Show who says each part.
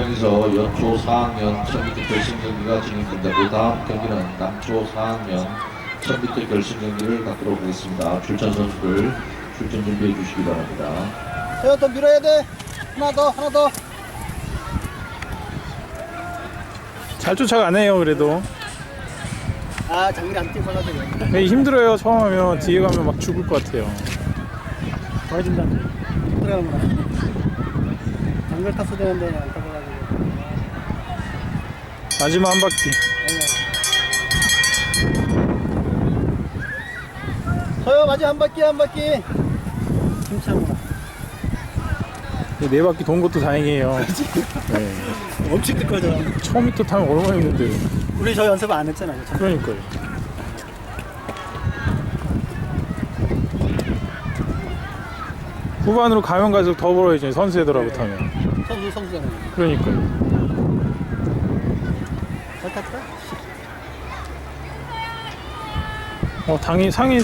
Speaker 1: 경기장에서 연초 4학년 1000m 결승 경기가 진행된다. 그 다음 경기는 남초 4학년 1000m 결승 경기를 갖도록 하겠습니다. 출전 선수들 출전 준비해 주시기 바랍니다.
Speaker 2: 세요, 더 밀어야 돼. 하나 더.
Speaker 3: 잘 쫓아가네요. 그래도
Speaker 2: 아, 장길이 안 뛰어가지고.
Speaker 3: 되게 힘들어요. 처음 하면 뒤에 가면 막 죽을 것 같아요.
Speaker 2: 도와준다. 들어가구나. 장길 탔어야 되는데 안 타가지고.
Speaker 3: 마지막 한 바퀴.
Speaker 2: 서요, 마지막 한 바퀴. 괜찮아.
Speaker 3: 네 바퀴 돈 것도 다행이에요. 네.
Speaker 2: 엄청 뜨거워져.
Speaker 3: 1000m 타면 얼마나 힘든데요.
Speaker 2: 우리 저 연습 안 했잖아요.
Speaker 3: 그러니까요. 후반으로 가면 갈수록 더 벌어야죠. 선수애들하고 타면.
Speaker 2: 선수잖아요.
Speaker 3: 그러니까요.
Speaker 2: 잘 탔다?
Speaker 3: 상위